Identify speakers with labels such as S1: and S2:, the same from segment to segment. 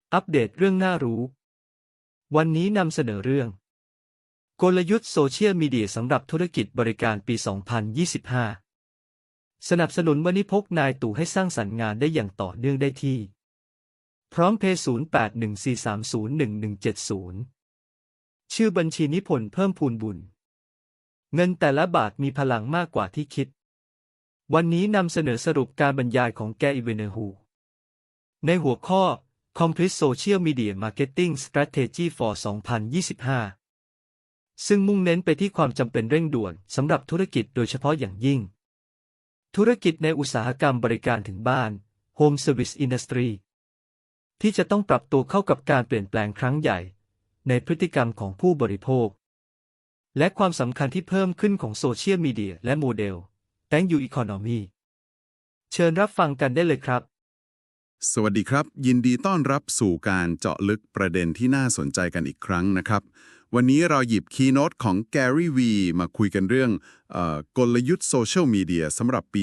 S1: อัปเดตเรื่องน่ารู้วันนี้นำเสนอเรื่องกลยุทธ์โซเชียลมีเดียสำหรับธุรกิจบริการปี 2025 สนับสนุนวันนี้พกนายตู่ให้สร้างสรรค์งานได้อย่างต่อเนื่องได้ที่พร้อมเพย์ 0814301170 ชื่อบัญชีนิพนธ์เพิ่มพูนบุญ เงินแต่ละบาทมีพลังมากกว่าที่คิด วันนี้นำเสนอสรุปการบรรยายของแกอิเวเนฮูในหัวข้อComplete Social Media Marketing Strategy for 2025 ซึ่งมุ่งเน้นไปที่ความจำเป็นเร่งด่วนสำหรับธุรกิจโดยเฉพาะอย่างยิ่งธุรกิจในอุตสาหกรรมบริการถึงบ้าน Home Service Industry ที่จะต้องปรับตัวเข้ากับการเปลี่ยนแปลงครั้งใหญ่ในพฤติกรรมของผู้บริโภคและความสำคัญที่เพิ่มขึ้นของโซเชียลมีเดียและโมเดล Thank you Economy เชิญรับฟังกันได้เลยครับ
S2: สวัสดีครับยินดีต้อนรับสู่การเจาะลึกประเด็นที่น่าสนใจกันอีกครั้งนะครับวันนี้เราหยิบคีย์โน้ตของ Gary V มาคุยกันเรื่องกลยุทธ์โซเชียลมีเดียสำหรับปี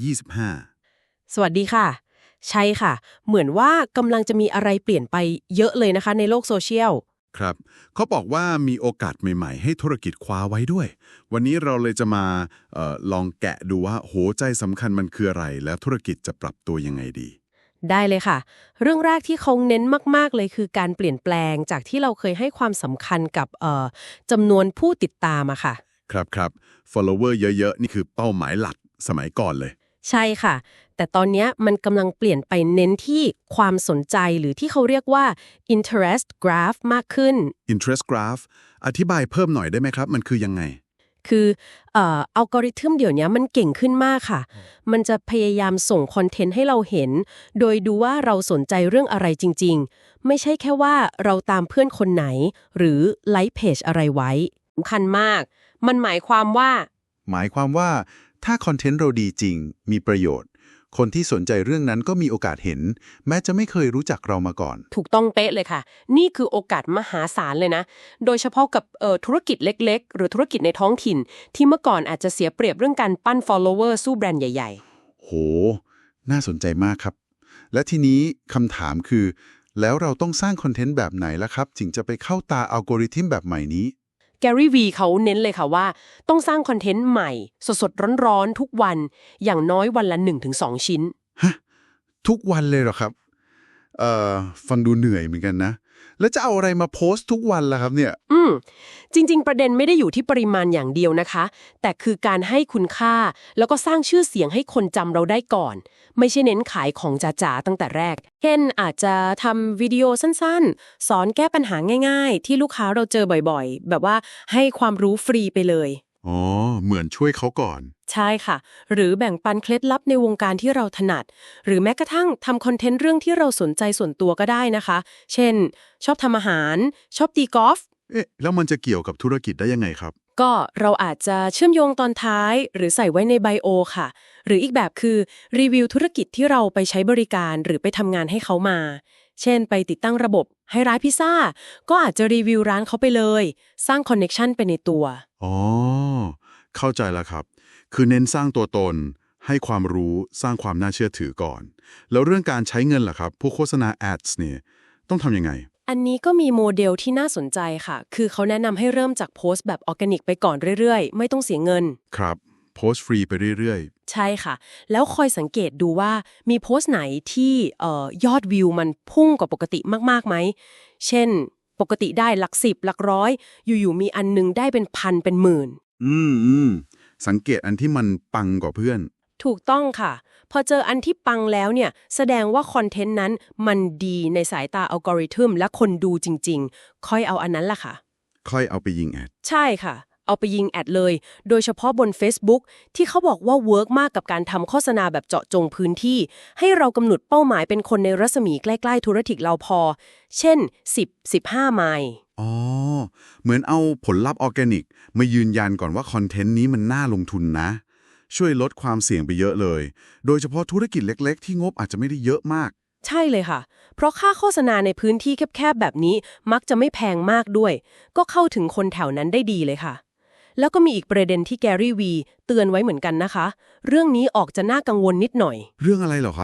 S2: 2025
S3: สวัสดีค่ะใช่ค่ะเหมือนว่ากำลังจะมีอะไรเปลี่ยนไปเยอะเลยนะคะในโลกโซเชียล
S2: ครับเขาบอกว่ามีโอกาสใหม่ๆให้ธุรกิจคว้าไว้ด้วยวันนี้เราเลยจะมาลองแกะดูว่าหัวใจสำคัญมันคืออะไรแล้วธุรกิจจะปรับตัวยังไงดี
S3: ได้เลยค่ะเรื่องแรกที่เขาเน้นมากๆเลยคือการเปลี่ยนแปลงจากที่เราเคยให้ความสำคัญกับจำนวนผู้ติดตามอะค่ะ
S2: ครับ follower เยอะๆนี่คือเป้าหมายหลักสมัยก่อนเลย
S3: ใช่ค่ะแต่ตอนนี้มันกำลังเปลี่ยนไปเน้นที่ความสนใจหรือที่เขาเรียกว่า interest graph มากขึ้น
S2: interest graph อธิบายเพิ่มหน่อยได้ไหมครับมันคือยังไง
S3: คืออัลกอริทึมเดี๋ยวนี้มันเก่งขึ้นมากค่ะมันจะพยายามส่งคอนเทนต์ให้เราเห็นโดยดูว่าเราสนใจเรื่องอะไรจริงๆไม่ใช่แค่ว่าเราตามเพื่อนคนไหนหรือไลค์เพจอะไรไว้สำคัญมากมันหมายความว่า
S4: ถ้าคอนเทนต์เราดีจริงมีประโยชน์คนที่สนใจเรื่องนั้นก็มีโอกาสเห็นแม้จะไม่เคยรู้จักเรามาก่อน
S3: ถูกต้องเป๊ะเลยค่ะนี่คือโอกาสมหาศาลเลยนะโดยเฉพาะกับธุรกิจเล็กๆหรือธุรกิจในท้องถิ่นที่เมื่อก่อนอาจจะเสียเปรียบเรื่องการปั้น follower สู้แบรนด์ใหญ่
S4: ๆโหน่าสนใจมากครับและทีนี้คำถามคือแล้วเราต้องสร้างคอนเทนต์แบบไหนล่ะครับถึงจะไปเข้าตาอัลกอริทึมแบบใหม่นี้
S3: Gary V เขาเน้นเลยค่ะว่าต้องสร้างคอนเทนต์ใหม่สดๆร้อนๆทุกวันอย่างน้อยวันละ 1-2 ชิ้น
S4: ฮะทุกวันเลยเหรอครับฟังดูเหนื่อยเหมือนกันนะแล้วจะเอาอะไรมาโพสต์ทุกวันล่ะครับเนี่ย
S3: จริงๆประเด็นไม่ได้อยู่ที่ปริมาณอย่างเดียวนะคะแต่คือการให้คุณค่าแล้วก็สร้างชื่อเสียงให้คนจำเราได้ก่อนไม่ใช่เน้นขายของจ๋าๆตั้งแต่แรกเช่นอาจจะทำวิดีโอสั้นๆสอนแก้ปัญหาง่ายๆที่ลูกค้าเราเจอบ่อยๆแบบว่าให้ความรู้ฟรีไปเลย
S4: อ๋อเหมือนช่วยเขาก่อน
S3: ใช่ค่ะหรือแบ่งปันเคล็ดลับในวงการที่เราถนัดหรือแม้กระทั่งทำคอนเทนต์เรื่องที่เราสนใจส่วนตัวก็ได้นะคะเช่นชอบทำอาหารชอบตีกอล์ฟ
S4: แล้วมันจะเกี่ยวกับธุรกิจได้ยังไงครับ
S3: ก็เราอาจจะเชื่อมโยงตอนท้ายหรือใส่ไว้ในไบโอค่ะหรืออีกแบบคือรีวิวธุรกิจที่เราไปใช้บริการหรือไปทำงานให้เขามาเช่นไปติดตั้งระบบให้ร้านพิซซ่าก็อาจจะรีวิวร้านเขาไปเลยสร้างคอนเนคชั่นไปในตัว
S4: อ๋อเข้าใจแล้วครับคือเน้นสร้างตัวตนให้ความรู้สร้างความน่าเชื่อถือก่อนแล้วเรื่องการใช้เงินล่ะครับพวกโฆษณา ads เนี่ยต้องทำยังไง
S3: อันนี้ก็มีโมเดลที่น่าสนใจค่ะคือเขาแนะนำให้เริ่มจากโพสต์แบบออร์แกนิกไปก่อนเรื่อยๆไม่ต้องเสียเงิน
S4: ครับโพสต์ฟรีไปเรื่อย
S3: ๆใช่ค่ะแล้วคอยสังเกตดูว่ามีโพสต์ไหนที่ยอดวิวมันพุ่งกว่าปกติมากๆไหมเช่นปกติได้หลัก10หลักร้อยอยู่ๆมีอันนึงได้เป็นพันเป็นหมื่น
S4: สังเกตอันที่มันปังกว่าเพื่อน
S3: ถูกต้องค่ะพอเจออันที่ปังแล้วเนี่ยแสดงว่าคอนเทนต์นั้นมันดีในสายตาอัลกอริทึมและคนดูจริงๆค่อยเอาอันนั้นล่ะค่ะ
S4: ค่อยเอาไปยิงแอด
S3: ใช่ค่ะเอาไปยิงแอดเลยโดยเฉพาะบน Facebook ที่เขาบอกว่าเวิร์กมากกับการทำโฆษณาแบบเจาะจงพื้นที่ให้เรากำหนดเป้าหมายเป็นคนในรัศมีใกล้ๆธุรกิจเราพอเช่น10-15 ไมล์
S4: อ๋อเหมือนเอาผลลัพธ์ออร์แกนิกมายืนยันก่อนว่าคอนเทนต์นี้มันน่าลงทุนนะช่วยลดความเสี่ยงไปเยอะเลยโดยเฉพาะธุรกิจเล็กๆที่งบอาจจะไม่ได้เยอะมาก
S3: ใช่เลยค่ะเพราะค่าโฆษณาในพื้นที่แคบๆแบบนี้มักจะไม่แพงมากด้วยก็เข้าถึงคนแถวนั้นได้ดีเลยค่ะแล้วก็มีอีกประเด็นที่แกรี่วีเตือนไว้เหมือนกันนะคะเรื่องนี้ออกจะน่ากังวลนิดหน่อย
S4: เรื่องอะไรเหรอครับ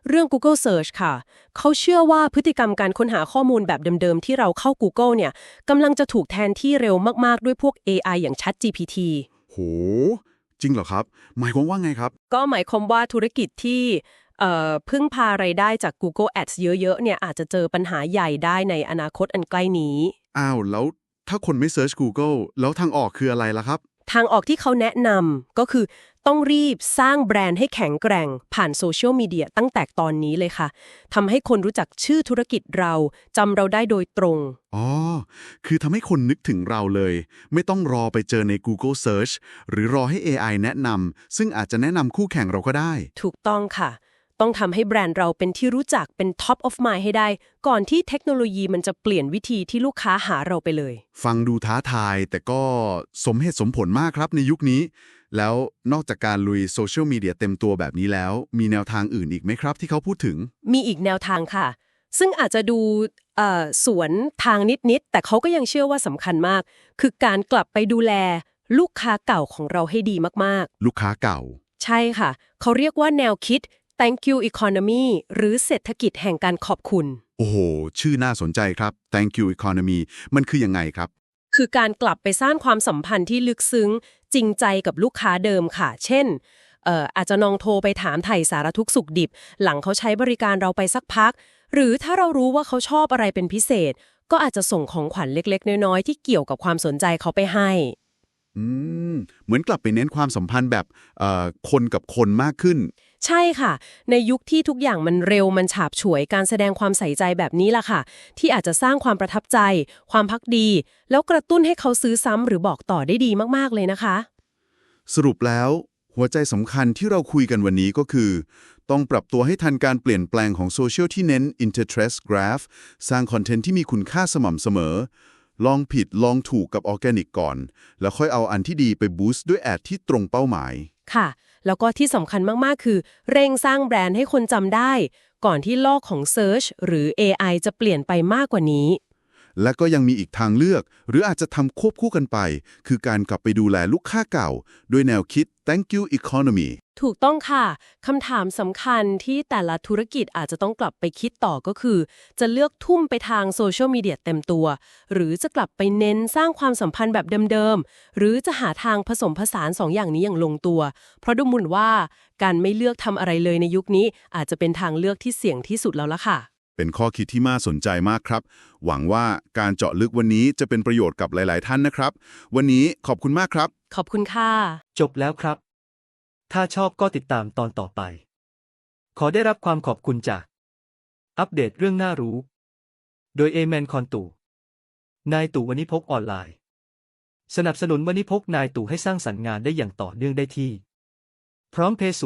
S3: เรื่อง Google Search ค่ะ เขาเชื่อว่าพฤติกรรมการค้นหาข้อมูลแบบเดิมๆที่เราเข้า Google เนี่ยกำลังจะถูกแทนที่เร็วมากๆด้วยพวก AI อย่าง ChatGPT
S4: โห จริงเหรอครับ หมายความว่าไงครับ
S3: ก็หมายความว่าธุรกิจที่พึ่งพารายได้จาก Google Ads เยอะๆเนี่ยอาจจะเจอปัญหาใหญ่ได้ในอนาคตอันใกล้นี้
S4: อ้าว แล้วถ้าคนไม่เซิร์ช Google แล้วทางออกคืออะไรล่ะครับ
S3: ทางออกที่เขาแนะนำก็คือต้องรีบสร้างแบรนด์ให้แข็งแกร่งผ่านโซเชียลมีเดียตั้งแต่ตอนนี้เลยค่ะทำให้คนรู้จักชื่อธุรกิจเราจำเราได้โดยตรง
S4: อ๋อ คือทำให้คนนึกถึงเราเลย ไม่ต้องรอไปเจอใน Google Search หรือรอให้ AI แนะนำซึ่งอาจจะแนะนำคู่แข่งเราก็ได้
S3: ถูกต้องค่ะ ต้องทำให้แบรนด์เราเป็นที่รู้จักเป็น Top of Mind ให้ได้ ก่อนที่เทคโนโลยีมันจะเปลี่ยนวิธีที่ลูกค้าหาเราไปเลย
S4: ฟังดูท้าทายแต่ก็สมเหตุสมผลมากครับในยุคนี้ แล้วนอกจากการลุยโซเชียลมีเดียเต็มตัวแบบนี้แล้ว มีแนวทางอื่นอีกไหมครับที่เขาพูดถึง
S3: มีอีกแนวทางค่ะ ซึ่งอาจจะดูสวนทางนิดๆแต่เขาก็ยังเชื่อว่าสำคัญมาก คือการกลับไปดูแลลูกค้าเก่าของเราให้ดีมากๆ
S4: ลูกค้าเก่า
S3: ใช่ค่ะ เขาเรียกว่าแนวคิด Thank you economy หรือเศรษฐกิจแห่งการขอบคุณ
S4: โอ้โห ชื่อน่าสนใจครับ Thank you economy มันคือยังไงครับ
S3: คือการกลับไปสร้างความสัมพันธ์ที่ลึกซึ้งจริงใจกับลูกค้าเดิมค่ะ เช่นอาจจะลองโทรไปถามไถ่สารทุกข์สุขดิบ หลังเขาใช้บริการเราไปสักพัก หรือถ้าเรารู้ว่าเขาชอบอะไรเป็นพิเศษ ก็อาจจะส่งของขวัญเล็กๆน้อยๆที่เกี่ยวกับความสนใจเขาไปให้
S4: อืม เหมือนกลับไปเน้นความสัมพันธ์แบบคนกับคนมากขึ้น
S3: ใช่ค่ะ ในยุคที่ทุกอย่างมันเร็วมันฉาบฉวยการแสดงความใส่ใจแบบนี้ล่ะค่ะ ที่อาจจะสร้างความประทับใจ ความภักดี แล้วกระตุ้นให้เขาซื้อซ้ำหรือบอกต่อได้ดีมากๆเลยนะคะ
S4: สรุปแล้วหัวใจสำคัญที่เราคุยกันวันนี้ก็คือ ต้องปรับตัวให้ทันการเปลี่ยนแปลงของโซเชียลที่เน้น Interest Graph สร้างคอนเทนต์ที่มีคุณค่าสม่ำเสมอ ลองผิดลองถูกกับออร์แกนิกก่อน แล้วค่อยเอาอันที่ดีไปบูสต์ด้วยแอดที่ตรงเป้าหมาย
S3: ค่ะ แล้วก็ที่สำคัญมากๆ คือเร่งสร้างแบรนด์ให้คนจำได้ ก่อนที่โลกของ Search หรือ AI จะเปลี่ยนไปมากกว่านี้
S4: และก็ยังมีอีกทางเลือก หรืออาจจะทำควบคู่กันไป คือการกลับไปดูแลลูกค้าเก่า ด้วยแนวคิด Thank you economy
S3: ถูกต้องค่ะคำถามสำคัญที่แต่ละธุรกิจอาจจะต้องกลับไปคิดต่อก็คือ จะเลือกทุ่มไปทางโซเชียลมีเดียเต็มตัว หรือจะกลับไปเน้นสร้างความสัมพันธ์แบบเดิมๆ หรือจะหาทางผสมผสาน2 อย่างนี้อย่างลงตัว เพราะดูเหมือนว่าการไม่เลือกทำอะไรเลยในยุคนี้ อาจจะเป็นทางเลือกที่เสี่ยงที่สุดแล้วล่ะค่ะ
S4: เป็นข้อคิดที่น่าสนใจมากครับ หวังว่าการเจาะลึกวันนี้จะเป็นประโยชน์กับหลาย ๆ ท่านนะครับ วันนี้ขอบคุณมากครับ
S3: ขอบคุณค่ะ
S1: จบแล้วครับ ถ้าชอบก็ติดตามตอนต่อไป ขอได้รับความขอบคุณจาก อัปเดตเรื่องน่ารู้ โดยเอแมนคอนตู่นายตู่วณิพกออนไลน์ สนับสนุนวณิพกนายตู่ให้สร้างสรรค์งานได้อย่างต่อเนื่องได้ที่ พร้อมเพย์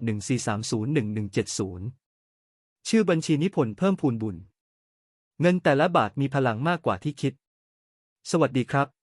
S1: 0814301170 ชื่อบัญชีนิพนธ์เพิ่มพูนบุญ เงินแต่ละบาทมีพลังมากกว่าที่คิด สวัสดีครับ